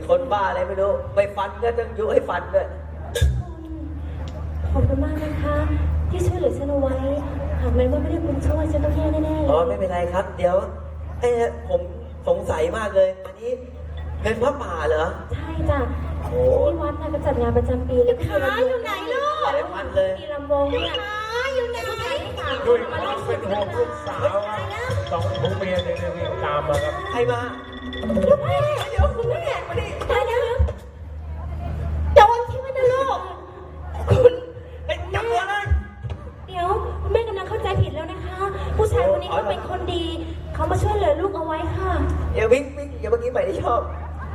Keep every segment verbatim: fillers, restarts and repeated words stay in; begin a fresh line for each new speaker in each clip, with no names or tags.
คนบ้าอะไรไม่รู้ไปฟันก็ต้องยุให้ฟันด้วย
ขอบคุณมากนะคะที่ช่วยเหลือฉันเอาไว้หากแม้ว่าไม่ได้คุณช่วยฉันต้องแย่แน่ๆ
อ๋อไม่เป็นไรครับ เดี๋ยวไอ้ผมสงสัยมากเลยอันนี้เป็นพระป่าเหรอ
ใช่จ้ะ
โอ้
ที่วัดน่ะก็จัดงานประจำปีแล้วก็มีลำวง
อยู่ไหนลูก
หลายพันเลย
มีลำวงเนี่ย
ขาอยู่ไหน
ด้วยความเป็นห่วงลูกสาวอะสองผัวเมียเนี่ยวิ่งตามมาครับ
ใครมา
ลูกแม่เดี๋ยวคุณแม่มาดิตายแล้วโดนใช่ไหมนะลูกคุณ
ไอ้จับตัวเลย
เดี๋ยวคุณแม่กำลังเข้าใจผิดแล้วนะคะ ผู้ชายคนนี้เขาเป็นคนดี เขามาช่วยเหลือลูกเอาไว้ค่ะ
อย่าวิ่งวิ่งอย่าเมื่อกี้ใหม่ที่ชอบ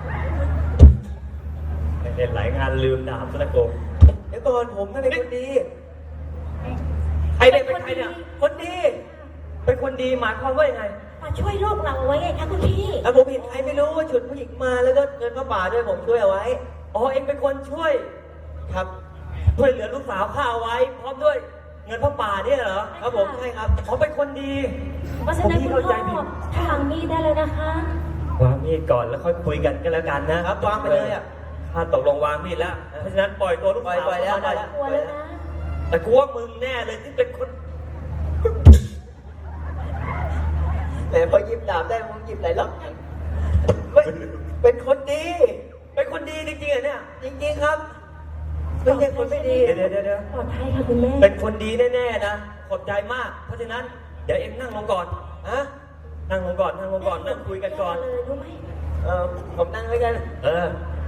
เห็นหลายงานลืมดาบซะแล้วโกง
เดี๋ยวก่อนผมไม่เป็นคนดีใครเนี่ยเป็นใครเนี่ยคนดี เป็นคนดีหมายความว่ายังไง
มาช่วยลูกเราไว้ไงคะคุณพี่
แล้วผมเห็นใครไม่รู้ว่าฉุดผู้หญิงมาแล้วก็เงินพระป่าด้วยผมช่วยเอาไว้
อ๋อเองเป็นคนช่วย
ครับ
ช่วยเหลือลูกสาวข้าเอาไว้ พร้อมด้วยเงินพระป่าเนี่ยเหรอ
ครับผมใช่ครับ
เขาเป็นคนดี
เพราะฉะนั้นคุณพ่อทางมีดได้เลยนะคะ
วางมีดก่อนแล้วค่อยคุยกันก็แล้วกันนะครับ
วางไปเลยอ่ะ
ข้าตกลงวางมีดแล้ว เพราะฉะนั้นปล่อยตัวลูก
ปล่อย
สาว
ปล่อยแล้ว
เข้า
ปล่
มา
อย
ได้
แล้ว
กลัวแล้วนะ
แต่กูว่ามึงแน่เลยที่เป็นคน
แต่พอหยิบดาบได้ผมหยิบหลายรอบไม่เป็นคนดี
เป็นคนดีจริงๆเหรอเนี่ย
จริงๆครับไม่ใช่คนไม่ดี
เดี๋ยวเดี๋ยวเดี๋ยว
ปลอดภัยค่ะคุณแม่
เป็นคนดีแน่ๆนะ ขอบใจมาก เพราะฉะนั้นเดี๋ยวเอ็งนั่งลงก่อน
ฮะ
นั่งลงก่อน นั่งลงก่อน นั่งคุยกันก่อน
เลยรู้ไหม
เออผมนั่งไว้กัน
เออ